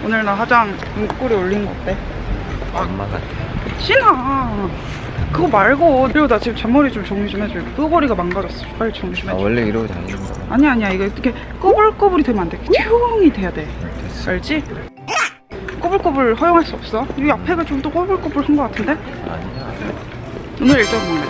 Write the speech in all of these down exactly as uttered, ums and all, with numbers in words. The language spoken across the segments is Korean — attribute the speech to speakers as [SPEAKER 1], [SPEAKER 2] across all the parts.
[SPEAKER 1] 오늘 나 화장 눈꼬리 올린 거 어때?
[SPEAKER 2] 엄마 같아.
[SPEAKER 1] 신아 그거 말고. 그리고 나 지금 잔머리 좀 정리 좀 해줘. 끄거리가 망가졌어. 빨리 정리 좀
[SPEAKER 2] 아,
[SPEAKER 1] 해줘.
[SPEAKER 2] 원래 이러고 다니는 거야.
[SPEAKER 1] 아니야 아니야 이거 이렇게 꼬불꼬불이 되면 안 돼. 조용히 돼야 돼.
[SPEAKER 2] 됐어.
[SPEAKER 1] 알지? 꼬불꼬불 허용할 수 없어. 이 앞에가 좀 더 꼬불꼬불한 거 같은데?
[SPEAKER 2] 아니야.
[SPEAKER 1] 오늘 일정 뭐래?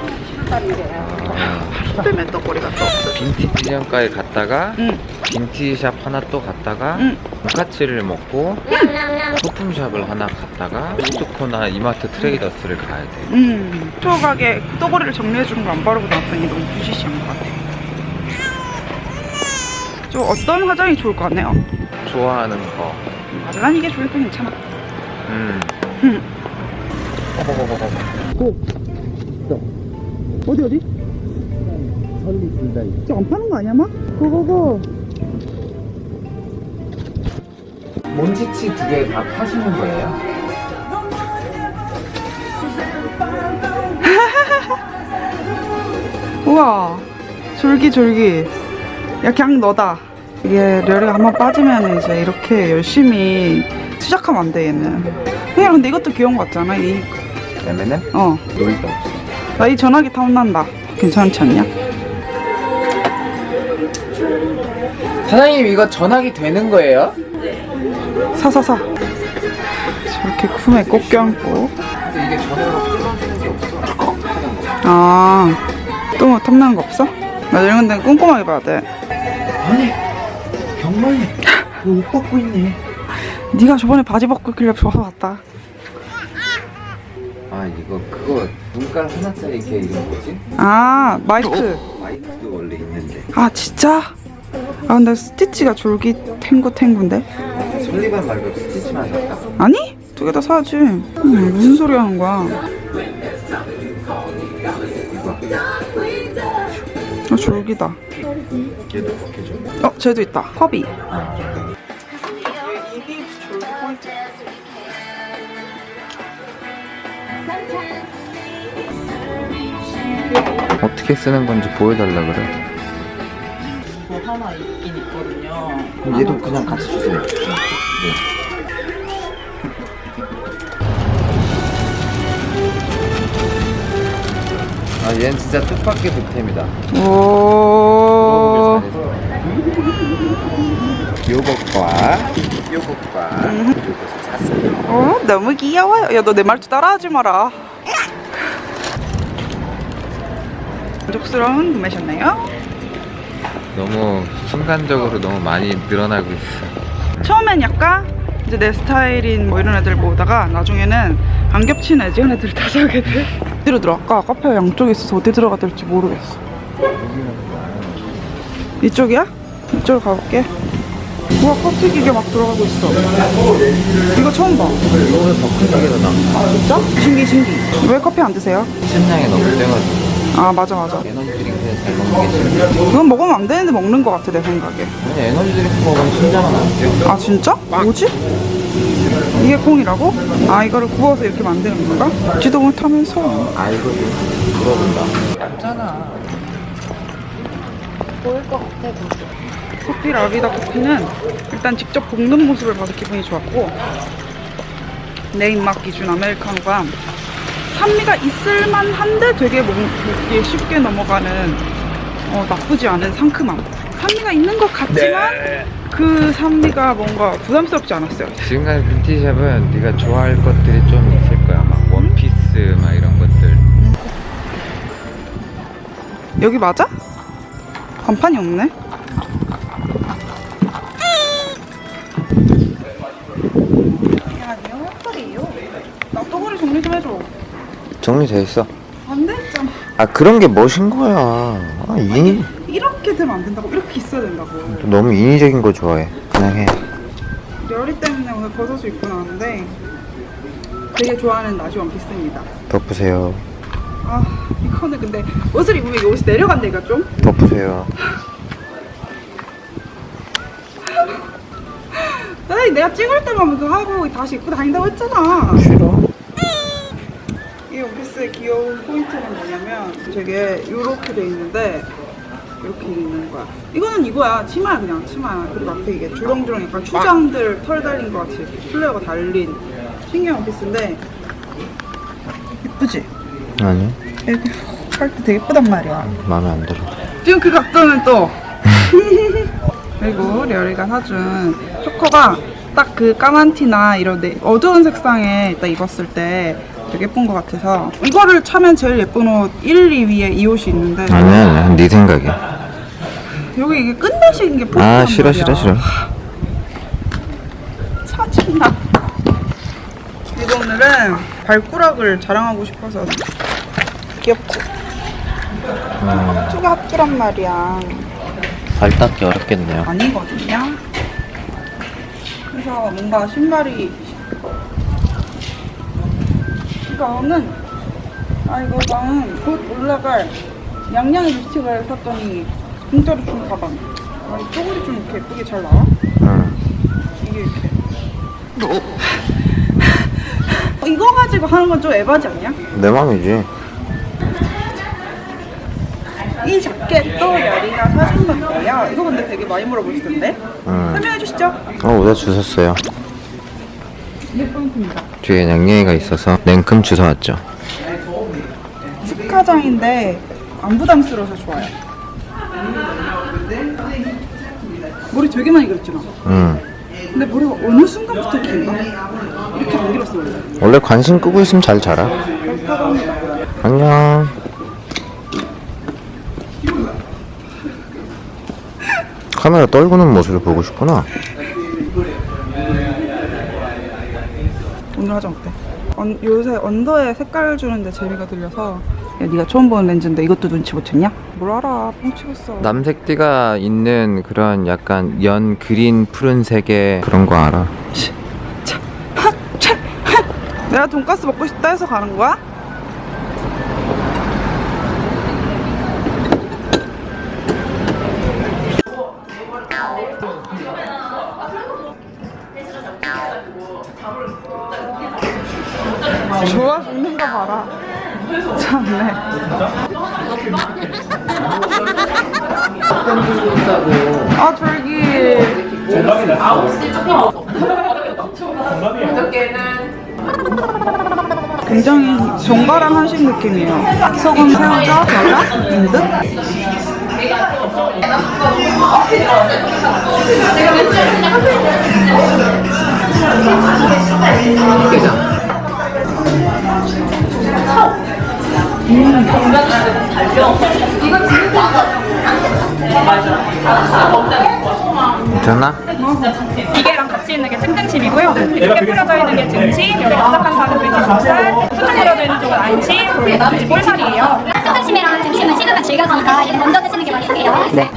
[SPEAKER 2] 아,
[SPEAKER 1] 하루 때문에 떡거리가 또 없어.
[SPEAKER 2] 빈티지점가에 갔다가
[SPEAKER 1] 응.
[SPEAKER 2] 빈티샵 하나 또 갔다가
[SPEAKER 1] 응.
[SPEAKER 2] 돈까츠를 먹고 소품샵을 하나 갔다가 푸드코나 이마트 트레이더스를 가야 돼.
[SPEAKER 1] 음. 초가게 떡거리를 정리해주는 거 안 바르고 나왔더니 너무 부시시한 것 같아. 좀 어떤 화장이 좋을 것 같네요.
[SPEAKER 2] 좋아하는 거.
[SPEAKER 1] 맞아, 난 이게 좋을 때 괜찮아.
[SPEAKER 2] 음.
[SPEAKER 1] 응. 고. 어디 어디?
[SPEAKER 2] 설리 둘 다 있어.
[SPEAKER 1] 저 안 파는 거 아니야 막? 고고고.
[SPEAKER 2] 몬치치 두 개 다 파시는 거예요?
[SPEAKER 1] 우와 졸기졸기. 야 그냥 너다. 이게 려리가 한번 빠지면 이제 이렇게 열심히 시작하면 안 돼 얘는. 그냥 근데 이것도 귀여운 거 같잖아. 이
[SPEAKER 2] 그러면은
[SPEAKER 1] 어.
[SPEAKER 2] 놀이도 없어.
[SPEAKER 1] 나 이 전화기 탐난다. 괜찮지 않냐?
[SPEAKER 2] 사장님 이거 전화기 되는 거예요?
[SPEAKER 1] 사사사. 저렇게 품에 꼭 껴안고.
[SPEAKER 2] 근데 이게 전화로 끊어지는 게 없어.
[SPEAKER 1] 아, 또 뭐 탐나는 거 없어? 나 이런 데는 꼼꼼하게 봐야 돼.
[SPEAKER 2] 아니 경만이 옷 벗고 있네.
[SPEAKER 1] 네가 저번에 바지 벗고 있길래 좋아서 봤다.
[SPEAKER 2] 아 이거 그거 눈깔 하나짜리 이렇게 이름 뭐지?
[SPEAKER 1] 아, 마이크.
[SPEAKER 2] 마이크도 원래 있는데.
[SPEAKER 1] 아, 진짜? 아, 근데 스티치가 졸기 탱구 탱구인데?
[SPEAKER 2] 설리반 말고 스티치만 샀다.
[SPEAKER 1] 아니? 두 개 다 사야지. 음, 무슨 소리 하는 거야?
[SPEAKER 2] 이거
[SPEAKER 1] 아, 졸기다.
[SPEAKER 2] 얘도 벗겨줘.
[SPEAKER 1] 어, 쟤도 있다. 허비.
[SPEAKER 2] 아.
[SPEAKER 1] 입이 졸기 포인트.
[SPEAKER 2] 어떻게 쓰는 건지 보여달라 그래.
[SPEAKER 1] 뭐 하나 있긴 있거든요.
[SPEAKER 2] 그럼 얘도 그냥 같이 주세요. 네. 아 얘는 진짜 뜻밖의 득템이다.
[SPEAKER 1] 오.
[SPEAKER 2] 요것과 요것과 요것을 샀어요.
[SPEAKER 1] 어, 너무 귀여워요. 야, 너 내 말투 따라하지 마라. 만족스러운 구매셨나요?
[SPEAKER 2] 너무 순간적으로 너무 많이 늘어나고 있어.
[SPEAKER 1] 처음엔 약간 이제 내 스타일인 뭐 이런 애들 보다가 나중에는 안 겹치는 애지간 애들을 다 사게 돼. 어디로 들어갈까? 카페가 양쪽에 있어서 어디 들어가야 될지 모르겠어. 이쪽이야? 이쪽으로 가볼게. 우와, 커피 기계 막 들어가고 있어. 이거 처음 봐.
[SPEAKER 2] 이거는 더 큰 가게가 나.
[SPEAKER 1] 아, 진짜? 신기 신기. 왜 커피 안 드세요?
[SPEAKER 2] 신장에 너무 세가지고
[SPEAKER 1] 아, 맞아 맞아.
[SPEAKER 2] 에너지 드링크는 잘 먹는 게 신장.
[SPEAKER 1] 이건 먹으면 안 되는데 먹는 것 같아, 내 생각에.
[SPEAKER 2] 아니 에너지 드링크 먹으면 신장은 안 돼요.
[SPEAKER 1] 아, 진짜? 뭐지? 이게 콩이라고? 아, 이거를 구워서 이렇게 만드는 건가? 지도 못하면서.
[SPEAKER 2] 알거든. 물어본다. 얇잖아.
[SPEAKER 3] 보일 것 같아, 보지.
[SPEAKER 1] 커피 라비다 커피는 일단 직접 볶는 모습을 봐서 기분이 좋았고, 내 입맛 기준 아메리카노가 산미가 있을만한데 되게 먹기 쉽게 넘어가는 어, 나쁘지 않은 상큼함. 산미가 있는 것 같지만 그 산미가 뭔가 부담스럽지 않았어요.
[SPEAKER 2] 지금까지 빈티샵은 네가 좋아할 것들이 좀 있을 거야. 막 원피스 막 이런 것들.
[SPEAKER 1] 여기 맞아? 간판이 없네. 아니요, 헛소리예요. 나 떠거리 정리 좀 해줘.
[SPEAKER 2] 정리돼 있어.
[SPEAKER 1] 안 됐잖아.
[SPEAKER 2] 아 그런 게 멋인 거야. 아, 인위
[SPEAKER 1] 이렇게 되면 안 된다고. 이렇게 있어야 된다고.
[SPEAKER 2] 너무 인위적인 거 좋아해. 그냥 해.
[SPEAKER 1] 열이 때문에 오늘 버섯을 입고 나왔는데 되게 좋아하는 나시 원피스입니다.
[SPEAKER 2] 덮으세요.
[SPEAKER 1] 아, 이거는 근데 옷을 입으면 이 옷이 내려간다니까 좀.
[SPEAKER 2] 덮으세요.
[SPEAKER 1] 아니, 내가 찍을 때만 그거 하고 다시 입고 다닌다고 했잖아.
[SPEAKER 2] 싫어.
[SPEAKER 1] 이 원피스의 귀여운 포인트는 뭐냐면 되게 이렇게 돼 있는데 이렇게 있는 거야. 이거는 이거야. 치마야 그냥 치마야. 그리고 앞에 이게 주렁주렁 약간 추장들 털 달린 거 같이 플레어가 달린 신기한 원피스인데 예쁘지?
[SPEAKER 2] 아니
[SPEAKER 1] 이렇게 할 때 되게 예쁘단 말이야.
[SPEAKER 2] 마음에 안 들어.
[SPEAKER 1] 지금 그 각도는 또 그리고 려리가 사준 초커가 딱 그 까만 티나 이런 데 어두운 색상에 딱 입었을 때 되게 예쁜 것 같아서 이거를 차면 제일 예쁜 옷 일, 이 위에 이 옷이 있는데
[SPEAKER 2] 아니야 아니야 네 생각이야.
[SPEAKER 1] 여기 이게 끝내식인 게 포인트란
[SPEAKER 2] 아 싫어
[SPEAKER 1] 말이야.
[SPEAKER 2] 싫어 싫어.
[SPEAKER 1] 짜증나. 그리고 오늘은 발꾸락을 자랑하고 싶어서 귀엽지?
[SPEAKER 2] 음,
[SPEAKER 1] 쪽에 합주란 말이야.
[SPEAKER 2] 발 닦기 어렵겠네요.
[SPEAKER 1] 아니거든요. 그래서 뭔가 신발이 이거는 아 이거 나는 곧 올라갈 양양의 립스틱을 샀더니 공짜로 준 가방. 아, 이 쪼글이 좀 이렇게 예쁘게 잘 나와?
[SPEAKER 2] 응.
[SPEAKER 1] 이게 이렇게. 이거 가지고 하는 건 좀 에바지 않냐?
[SPEAKER 2] 내 맘이지.
[SPEAKER 1] 이 자켓도 여리가 사준 건데요. 이거 근데 되게 많이 물어보시던데?
[SPEAKER 2] 응.
[SPEAKER 1] 설명해 주시죠.
[SPEAKER 2] 어 오다 주웠어요.
[SPEAKER 1] 이게 포인트입니다.
[SPEAKER 2] 뒤에 양양이가 있어서 냉큼 주워왔죠.
[SPEAKER 1] 스카장인데 안 부담스러워서 좋아요. 머리 되게 많이 길었잖아.
[SPEAKER 2] 응.
[SPEAKER 1] 근데 머리가 어느 순간부터 긴가? 이렇게 안 길었어 원래.
[SPEAKER 2] 원래 관심 끄고 있으면 잘 자라.
[SPEAKER 1] 그렇다고 합니다.
[SPEAKER 2] 안녕. 카메라 떨구는 모습을 보고 싶구나.
[SPEAKER 1] 오늘 화장 어때? 언, 요새 언더에 색깔 주는데 재미가 들려서 야 네가 처음 보는 렌즈인데 이것도 눈치 못 챘냐? 뭘 알아 뻥치겠어.
[SPEAKER 2] 남색띠가 있는 그런 약간 연 그린 푸른색의 그런 거 알아?
[SPEAKER 1] 차, 하, 차, 하. 내가 돈가스 먹고 싶다 해서 가는 거야? 좋아 죽는 거 봐라. 참네. 아 졸기. 굉장히 정갈한 한식 느낌이에요. 소금, 새우젓, 겨자, 인 듯?
[SPEAKER 2] 괜찮아?
[SPEAKER 3] 기계랑 같이 있는 게 탱탱칩이고요. 이렇게 뿌려져 있는 게 등치, 여기 납작한 살은 돼지 족살, 후쭉 뿌려져 있는 쪽은 안치, 그리고 돼지 볼살이에요.
[SPEAKER 4] 탕탕심이랑 등심은 식으면 질겨지니까 이거 먼저 드시는 게 맛있게요. 네.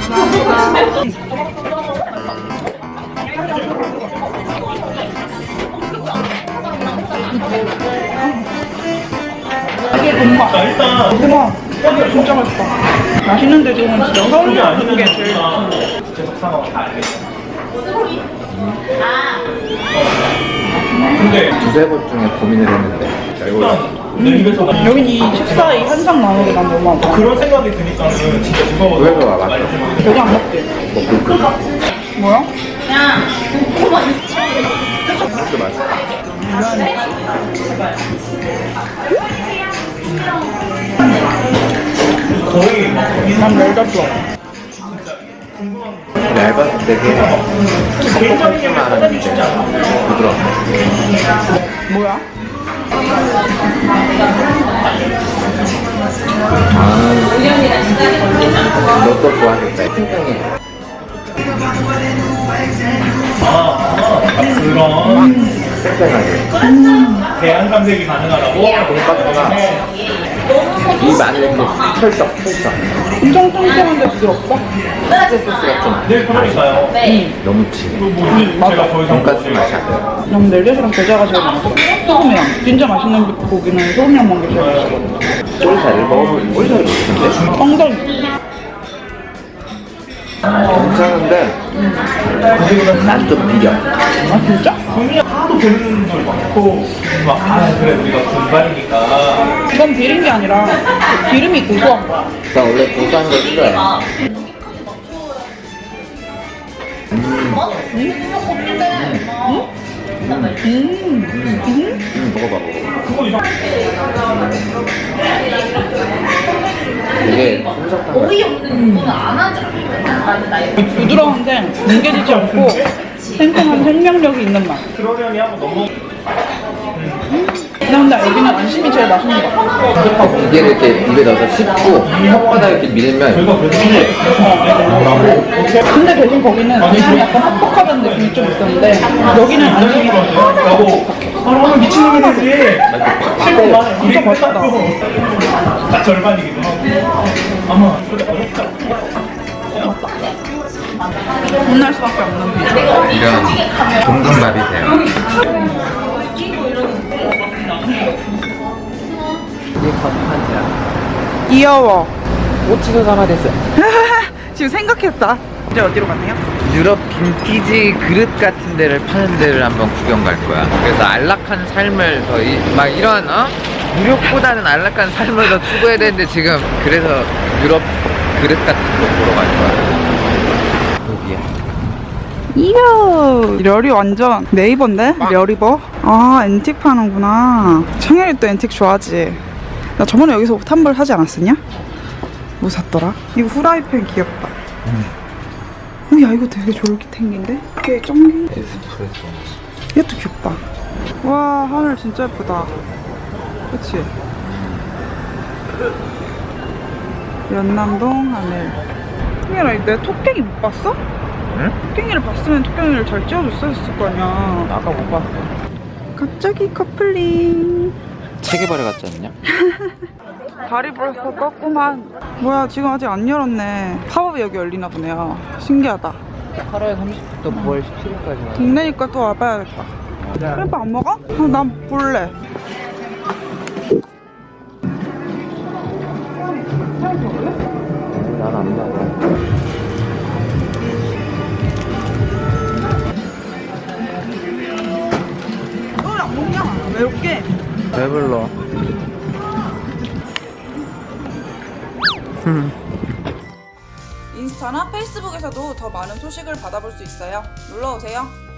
[SPEAKER 1] 이게 본맛. 대박. 이게 진짜 맛있다. 맛있는데 지금 진짜 서울이 없는 게 제일
[SPEAKER 2] 두세 번 중에 고민을 했는데
[SPEAKER 1] 음. 여긴 이 식사 이 한상 나누기 난 너무 안 좋아.
[SPEAKER 5] 그런 생각이 드니까는 진짜 무서워.
[SPEAKER 2] 왜 와봤어?
[SPEAKER 1] 여기 안 먹지?
[SPEAKER 2] 먹고 그
[SPEAKER 1] 뭐야?
[SPEAKER 2] 진짜 맛있어.
[SPEAKER 5] 거의 막
[SPEAKER 1] 난 멜다 좋아.
[SPEAKER 2] 얇아서 되게 퍽퍽하지만 않은데 부드러워.
[SPEAKER 1] 뭐야?
[SPEAKER 2] 아, 너또 좋아하겠다. 굉장히
[SPEAKER 5] 아, 그런
[SPEAKER 2] 쌩쌩하게.
[SPEAKER 5] 대안감색이 가능하다고?
[SPEAKER 2] 돈가스가 이 마늘 이렇게 찰떡 찰떡.
[SPEAKER 1] 엄청 쫀쫀한데 부드럽다?
[SPEAKER 2] 소스가 좀
[SPEAKER 5] 네, 그러니까요.
[SPEAKER 2] 너무 진해.
[SPEAKER 5] 뭐, 제가 더 이상
[SPEAKER 2] 돈가스 맛이 안 나요.
[SPEAKER 1] 난 멜젓이랑 겨자가 제일 맛있어. 소금이랑. 진짜 맛있는 고기는 소금이랑 먹는 게 제일 맛있어.
[SPEAKER 2] 꿀살을 먹으면 꿀살이 맛있는데?
[SPEAKER 1] 엉덩이.
[SPEAKER 2] 괜찮은데 난 좀 비려.
[SPEAKER 1] 아 진짜?
[SPEAKER 5] 분이 하도 되는 분들 많고, 막, 아, 그래, 우리가 군발이니까.
[SPEAKER 1] 이건 비린 게 아니라 그 기름이 고소한 거야.
[SPEAKER 2] 나 원래 고소한 거 싫어해. 음, 먹어봐, 먹어봐. 이게 솜사탕.
[SPEAKER 1] 부드러운데 뭉개지지 않고 생생한 생명력이 있는 맛.
[SPEAKER 5] 그러려니 한번 넘어.
[SPEAKER 1] 근데 여기는 안심이 제일 맛있는 것 같아.
[SPEAKER 2] 이게 이렇게 입에 넣어서 씹고 혓바닥 이렇게 밀면
[SPEAKER 5] 저희가 그래도 근데
[SPEAKER 1] 근데 대신 거기는 안심이 약간 퍽퍽하다는 느낌이 좀 있었는데 여기는 안심이
[SPEAKER 5] 라고 아 미친놈이 되지.
[SPEAKER 1] 진짜 맛있다.
[SPEAKER 5] 나 절반이기도 하고. 아마 어렵다.
[SPEAKER 1] 혼날 수밖에 없는 비주얼.
[SPEAKER 2] 이런 볶음밥이세요. 이게 건판이야.
[SPEAKER 1] 귀여워.
[SPEAKER 2] 오치소 사마 됐어요.
[SPEAKER 1] 지금 생각했다. 이제 어디로 갔네요?
[SPEAKER 2] 유럽 빈티지 그릇 같은 데를 파는 데를 한번 구경 갈 거야. 그래서 안락한 삶을 더, 이, 막 이런, 어? 무력보다는 안락한 삶을 더 추구해야 되는데 지금 그래서 유럽 그릇 같은 거 보러 갈 거야. 여기야.
[SPEAKER 1] 이야, 려리 완전 네이버인데? 려리버? 아, 앤틱 파는구나. 창현이 또 앤틱 좋아하지. 나 저번에 여기서 옷 한 벌 사지 않았었냐? 뭐 샀더라? 이거 후라이팬 귀엽다.
[SPEAKER 2] 음.
[SPEAKER 1] 어, 야, 이거 되게 졸깃탱긴데? 이게 쩡
[SPEAKER 2] 에스프레소.
[SPEAKER 1] 이것도 귀엽다. 와, 하늘 진짜 예쁘다. 그치? 연남동 하늘. 승현아, 내 토깽이 못 봤어?
[SPEAKER 2] 응?
[SPEAKER 1] 토깽이를 봤으면 토깽이를 잘 찍어줬어야 했을 거 아니야.
[SPEAKER 2] 아까 못 봤어.
[SPEAKER 1] 갑자기 커플링.
[SPEAKER 2] 체계바레 같지 않냐?
[SPEAKER 1] 다리 벌써 떴구만. 뭐야, 지금 아직 안 열었네. 팝업이 여기 열리나 보네요. 신기하다.
[SPEAKER 2] 팔월 삼십부터 구월 십칠일까지.
[SPEAKER 1] 동네니까 또 와봐야겠다. 크레파 안 먹어? 어, 난 볼래.
[SPEAKER 2] 난안 봐.
[SPEAKER 1] 어, 안 먹냐? 왜 이렇게?
[SPEAKER 2] 배불러.
[SPEAKER 1] 인스타나 페이스북에서도 더 많은 소식을 받아볼 수 있어요. 놀러오세요.